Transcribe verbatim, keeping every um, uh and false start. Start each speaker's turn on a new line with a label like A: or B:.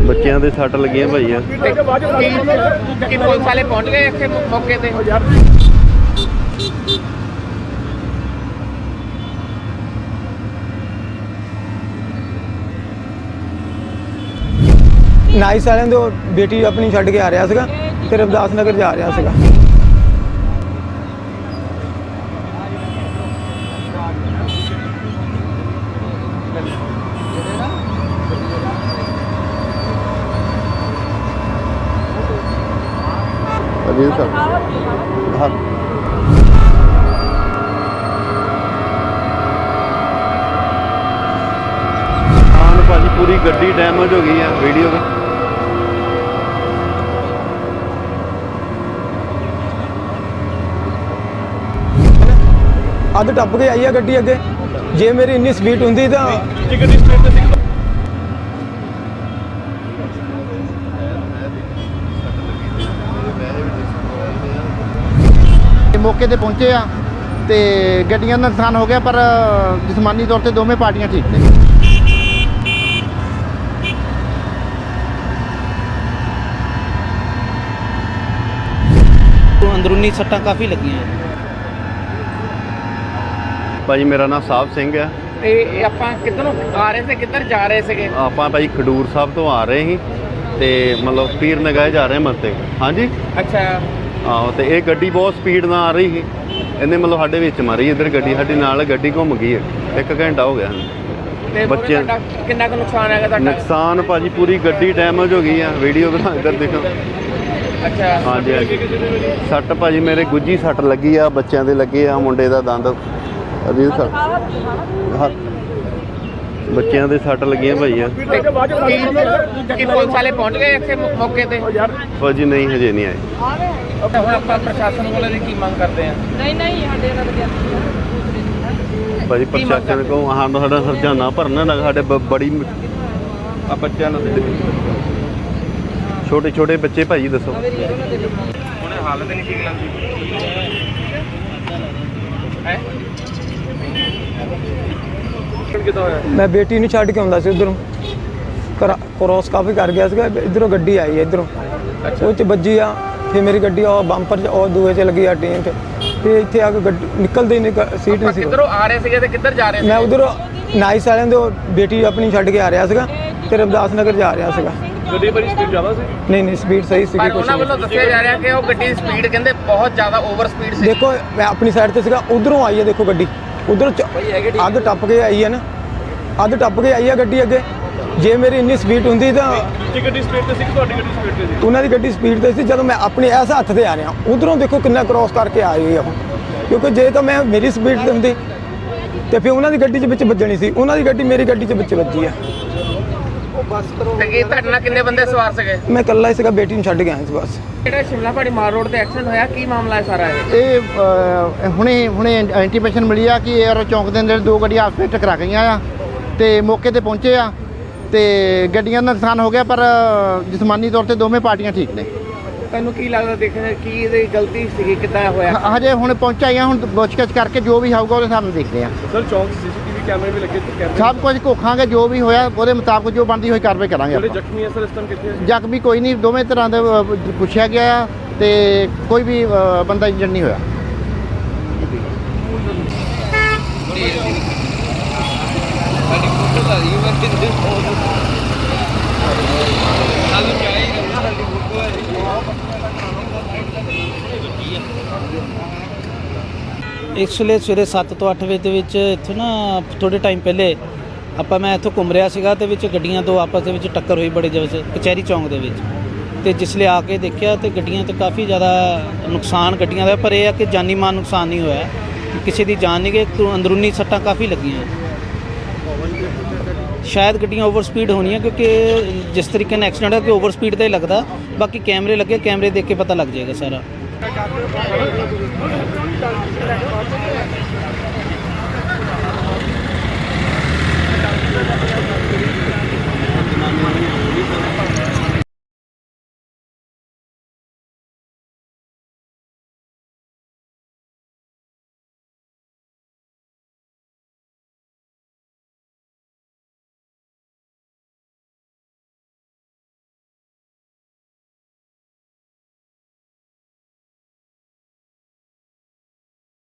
A: ਬੱਚਿਆਂ ਦੇ ਸੱਟ ਲੱਗੀਆਂ ਭਾਈ ਆ।
B: ਕਿ ਪੁਲਿਸ ਵਾਲੇ ਪਹੁੰਚ ਗਏ ਇੱਥੇ ਮੌਕੇ ਤੇ?
C: ਨਾਈਸ ਵਾਲਿਆਂ ਦੇ ਬੇਟੀ ਆਪਣੀ ਛੱਡ ਕੇ ਆ ਰਿਹਾ ਸੀਗਾ ਤੇ ਰਵਿਦਾਸ ਨਗਰ ਜਾ ਰਿਹਾ ਸੀਗਾ।
A: ਅਜੀਤ ਸਰ ਹਾਂ ਆਨ ਭਾਜੀ ਪੂਰੀ ਗੱਡੀ ਡੈਮੇਜ ਹੋ ਗਈ ਆ ਵੀਡੀਓ ਦਾ।
C: ਅੱਧ ਟੱਪ ਕੇ ਆਈ ਆ ਗੱਡੀ ਅੱਗੇ। ਜੇ ਮੇਰੀ ਇੰਨੀ ਸਪੀਡ ਹੁੰਦੀ ਤਾਂ
D: ਮੌਕੇ ਤੇ ਪਹੁੰਚੇ ਆ ਤੇ ਗੱਡੀਆਂ ਦਾ ਨੁਕਸਾਨ ਹੋ ਗਿਆ, ਪਰ ਜਿਸਮਾਨੀ ਤੌਰ ਤੇ ਦੋਵੇਂ ਪਾਰਟੀਆਂ ਠੀਕ ਨੇ।
E: ਅੰਦਰੂਨੀ ਸੱਟਾਂ ਕਾਫੀ ਲੱਗੀਆਂ
A: ਭਾਜੀ ਮੇਰਾ ਨਾਮ ਸਾਹਿਬ ਸਿੰਘ ਆ
B: ਤੇ ਇਹ ਆਪਾਂ ਕਿੱਧਰੋਂ ਆ ਰਹੇ ਸੀ, ਕਿੱਧਰ ਜਾ ਰਹੇ ਸੀਗੇ?
A: ਆਪਾਂ ਭਾਈ ਖਡੂਰ ਸਾਹਿਬ ਤੋਂ ਆ ਰਹੇ ਸੀ ਤੇ ਮਤਲਬ ਪੀਰ ਨਗਾਏ ਜਾ ਰਹੇ ਮੱਤੇ। ਹਾਂਜੀ
B: ਅੱਛਾ।
A: ਆਹੋ ਤੇ ਇਹ ਗੱਡੀ ਬਹੁਤ ਸਪੀਡ ਨਾਲ ਆ ਰਹੀ ਸੀ, ਇਹਨੇ ਮਤਲਬ ਸਾਡੇ ਵਿੱਚ ਮਾਰੀ। ਇੱਧਰ ਗੱਡੀ ਸਾਡੀ ਨਾਲ ਗੱਡੀ ਘੁੰਮ ਗਈ ਹੈ। ਇੱਕ ਘੰਟਾ ਹੋ ਗਿਆ
B: ਤੇ
A: ਬੱਚੇ
B: ਕਿੰਨਾ ਕੁ ਨੁਕਸਾਨ ਹੈਗਾ ਤੁਹਾਡਾ?
A: ਨੁਕਸਾਨ ਭਾਜੀ ਪੂਰੀ ਗੱਡੀ ਡੈਮੇਜ ਹੋ ਗਈ ਆ। ਵੀਡੀਓ ਬਣਾ ਇੱਧਰ ਦੇਖੋ।
B: ਅੱਛਾ।
A: ਹਾਂਜੀ ਹਾਂਜੀ ਸੱਟ ਭਾਜੀ ਮੇਰੇ ਗੁੱਜੀ ਸੱਟ ਲੱਗੀ ਆ, ਬੱਚਿਆਂ ਦੇ ਲੱਗੇ ਆ, ਮੁੰਡੇ ਦਾ ਦੰਦ ਅਜੀਤ ਸਰ ਹਾਂ ਬੱਚਿਆਂ ਦੇ ਸੱਟ ਲੱਗੀਆਂ ਭਾਈ ਆ।
B: ਕਿ ਪੁਲਿਸ ਵਾਲੇ ਪਹੁੰਚ ਗਏ ਇੱਥੇ ਮੌਕੇ ਤੇ?
A: ਭਾਜੀ ਨਹੀਂ ਹਜੇ ਨਹੀਂ ਆਏ।
B: ਹੁਣ ਆਪਾਂ ਪ੍ਰਸ਼ਾਸਨ ਕੋਲੋਂ ਦੀ ਕੀ ਮੰਗ ਕਰਦੇ ਆ? ਨਹੀਂ ਨਹੀਂ ਸਾਡੇ ਨਾਲ
A: ਭਾਜੀ ਪ੍ਰਸ਼ਾਸਨ ਕੋ ਹਾਂ ਸਾਡਾ ਹਰਜਾਨਾ ਭਰਨਾ ਨਾ ਸਾਡੇ ਬ- ਬੜੀ ਆ ਬੱਚਿਆਂ ਨੂੰ ਛੋਟੇ ਛੋਟੇ ਬੱਚੇ ਭਾਜੀ ਦੱਸੋ।
B: ਹੁਣ ਹਾਲਤ ਨਹੀਂ ਠੀਕ ਲੱਗਦੀ ਹੈ। ਕਿੱਦਾਂ ਹੋਇਆ?
C: ਮੈਂ ਬੇਟੀ ਨੂੰ ਛੱਡ ਕੇ ਆਉਂਦਾ ਸੀ ਉਧਰੋਂ, ਕ੍ਰੋਸ ਕਾਫੀ ਕਰ ਗਿਆ ਸੀਗਾ। ਇੱਧਰੋਂ ਗੱਡੀ ਆਈ ਇੱਧਰੋਂ, ਉਹ 'ਚ ਵੱਜੀ ਆ। ਫਿਰ ਮੇਰੀ ਗੱਡੀ ਉਹ ਬੰਪਰ 'ਚ ਉਹ ਦੂਏ 'ਚ ਲੱਗੀ ਆ ਟੀਨ 'ਚ, ਤੇ ਇੱਥੇ ਆ ਕੇ ਗੱਡੀ ਨਿਕਲਦੇ ਨਹੀਂ ਸੀਟ ਨਹੀਂ ਸੀ।
B: ਕਿੱਧਰੋਂ ਆ ਰਹੇ ਸੀਗੇ ਤੇ ਕਿੱਧਰ ਜਾ ਰਹੇ ਸੀ?
C: ਮੈਂ ਉਧਰੋਂ ਨਾਈਸ ਵਾਲਿਆਂ ਦੇ ਬੇਟੀ ਆਪਣੀ ਛੱਡ ਕੇ ਆ ਰਿਹਾ ਸੀਗਾ ਤੇ ਰਵਿਦਾਸ ਨਗਰ ਜਾ ਰਿਹਾ ਸੀਗਾ।
B: ਗੱਡੀ ਬੜੀ ਸਪੀਡ ਜ਼ਿਆਦਾ ਸੀ?
C: ਨਹੀਂ ਨਹੀਂ ਸਪੀਡ ਸਹੀ ਸੀਗੀ।
B: ਪਰ
C: ਕੁਛ
B: ਉਹਨਾਂ ਵੱਲੋਂ ਦੱਸਿਆ ਜਾ ਰਿਹਾ ਕਿ ਉਹ ਗੱਡੀ ਦੀ ਸਪੀਡ ਕਹਿੰਦੇ ਬਹੁਤ ਜ਼ਿਆਦਾ ਓਵਰ ਸਪੀਡ ਸੀ।
C: ਦੇਖੋ ਮੈਂ ਆਪਣੀ ਸਾਈਡ ਤੇ ਸੀਗਾ, ਉਧਰੋਂ ਆਈ ਹੈ ਦੇਖੋ ਗੱਡੀ, ਉਧਰੋਂ ਅੱਧ ਟੱਪ ਕੇ ਆਈ ਹੈ ਨਾ, ਅੱਧ ਟੱਪ ਕੇ ਆਈ ਹੈ ਗੱਡੀ ਅੱਗੇ। ਜੇ ਮੇਰੀ ਇੰਨੀ ਸਪੀਡ ਹੁੰਦੀ ਤਾਂ
B: ਗੱਡੀ ਸਪੀਡ ਤੇ ਸੀ, ਤੁਹਾਡੀ ਗੱਡੀ ਸਪੀਡ ਤੇ ਸੀ?
C: ਉਹਨਾਂ ਦੀ ਗੱਡੀ ਸਪੀਡ ਤੇ ਸੀ। ਜਦੋਂ ਮੈਂ ਆਪਣੇ ਇਸ ਹੱਥ ਤੇ ਆ ਰਿਹਾ, ਉਧਰੋਂ ਦੇਖੋ ਕਿੰਨਾ ਕ੍ਰੋਸ ਕਰਕੇ ਆਈ ਹੋਈ ਆ ਉਹ। ਕਿਉਂਕਿ ਜੇ ਤਾਂ ਮੈਂ ਮੇਰੀ ਸਪੀਡ ਤੇ ਹੁੰਦੀ ਤੇ ਫਿਰ ਉਹਨਾਂ ਦੀ ਗੱਡੀ 'ਚ ਵਿੱਚ ਵੱਜਣੀ ਸੀ। ਉਹਨਾਂ ਦੀ ਗੱਡੀ ਮੇਰੀ ਗੱਡੀ 'ਚ ਵਿੱਚ ਵੱਜੀ ਆ।
B: ਤੇ ਕੀ ਤੁਹਾਡੇ ਨਾਲ ਕਿੰਨੇ ਬੰਦੇ ਸਵਾਰ ਸੀਗੇ?
C: ਮੈਂ ਇਕੱਲਾ ਹੀ ਸੀਗਾ, ਬੇਟੀ ਨੂੰ ਛੱਡ ਕੇ ਆਇਆ ਸੀ ਬਸ।
B: ਜਿਹੜਾ ਸ਼ਿਮਲਾ ਪਹਾੜੀ ਮਾਰ ਰੋਡ ਤੇ ਐਕਸੀਡੈਂਟ ਹੋਇਆ, ਕੀ ਮਾਮਲਾ ਹੈ ਸਾਰਾ ਇਹ?
D: ਇਹ ਅ, ਹੁਣੇ ਹੁਣੇ ਇੰਟੀਮੇਸ਼ਨ ਮਿਲੀ ਆ ਕਿ ਏਅਰ ਚੌਂਕ ਦੇ ਅੰਦਰ ਦੋ ਗੱਡੀਆਂ ਆਪਸ ਵਿੱਚ ਟਕਰਾ ਗਈਆਂ ਆ ਤੇ ਮੌਕੇ ਤੇ ਪਹੁੰਚੇ ਆ ਤੇ ਗੱਡੀਆਂ ਦਾ ਨੁਕਸਾਨ ਹੋ ਗਿਆ, ਪਰ ਜਿਸਮਾਨੀ ਤੌਰ ਤੇ ਦੋਵੇਂ ਪਾਰਟੀਆਂ ਠੀਕ ਨੇ।
B: ਤੈਨੂੰ ਕੀ ਲੱਗਦਾ ਦੇਖਣ ਕੀ ਇਹਦੀ ਗਲਤੀ ਸੀਗੀ, ਕਿੱਦਾਂ ਹੋਇਆ?
D: ਹ- ਹਜੇ ਹੁਣ ਪਹੁੰਚਾਈਆਂ, ਹੁਣ ਪੁੱਛਗਿੱਛ ਕਰਕੇ ਜੋ ਵੀ ਹੋਊਗਾ ਉਹਦੇ ਹਿਸਾਬ ਨਾਲ ਦੇਖਦੇ ਆ।
B: ਸਰ ਚੌਂਕ ਸੀਸੀਟੀਵੀ ਕੈਮਰੇ ਵੀ ਲੱਗੇ ਤੇ
D: ਸਭ ਕੁਝ ਘੋਖਾਂਗੇ, ਜੋ ਵੀ ਹੋਇਆ ਉਹਦੇ ਮੁਤਾਬਕ ਜੋ ਬਣਦੀ ਹੋਈ ਕਾਰਵਾਈ ਕਰਾਂਗੇ ਆਪਾਂ।
B: ਜ਼ਖਮੀ ਹੈ ਸਰ ਇਸ ਟਾਈਮ ਕਿੱਥੇ?
D: ਜ਼ਖਮੀ ਕੋਈ ਨਹੀਂ, ਦੋਵੇਂ ਤਰ੍ਹਾਂ ਦੇ ਅ, ਪੁੱਛਿਆ ਗਿਆ ਆ ਤੇ ਕੋਈ ਵੀ ਅ, ਬੰਦਾ ਇੰਜਰਡ ਨਹੀਂ ਹੋਇਆ।
E: ਇਸ ਵੇਲੇ ਸਵੇਰੇ ਸੱਤ ਤੋਂ ਅੱਠ ਵਜੇ ਦੇ ਵਿੱਚ ਇੱਥੋਂ ਨਾ ਥੋੜ੍ਹੇ ਟਾਈਮ ਪਹਿਲੇ ਆਪਾਂ ਮੈਂ ਇੱਥੋਂ ਘੁੰਮ ਰਿਹਾ ਸੀਗਾ ਤੇ ਵਿੱਚ ਗੱਡੀਆਂ ਦੋ ਆਪਸ ਦੇ ਵਿੱਚ ਟੱਕਰ ਹੋਈ ਬੜੇ ਜ਼ਬਰ ਕਚਹਿਰੀ ਚੌਂਕ ਦੇ ਵਿੱਚ। ਤੇ ਜਿਸਲੇ ਆ ਕੇ ਦੇਖਿਆ ਤੇ ਗੱਡੀਆਂ ਤੇ ਕਾਫੀ ਜ਼ਿਆਦਾ ਨੁਕਸਾਨ ਗੱਡੀਆਂ ਦਾ, ਪਰ ਇਹ ਆ ਕਿ ਜਾਨੀ ਮਾਲ ਨੁਕਸਾਨ ਨਹੀਂ ਹੋਇਆ, ਕਿਸੇ ਦੀ ਜਾਨ ਨਹੀਂ ਗਈ। ਅੰਦਰੂਨੀ ਸੱਟਾਂ ਕਾਫੀ ਲੱਗੀਆਂ। ਸ਼ਾਇਦ ਗੱਡੀਆਂ ਓਵਰ ਸਪੀਡ ਹੋਣੀਆਂ, ਕਿਉਂਕਿ ਜਿਸ ਤਰੀਕੇ ਨਾਲ ਐਕਸੀਡੈਂਟ ਹੋਇਆ ਕਿ ਓਵਰ ਸਪੀਡ ਦਾ ਹੀ ਲੱਗਦਾ। ਬਾਕੀ ਕੈਮਰੇ ਲੱਗੇ, ਕੈਮਰੇ ਦੇਖ ਕੇ ਪਤਾ ਲੱਗ ਜਾਏਗਾ ਸਾਰਾ।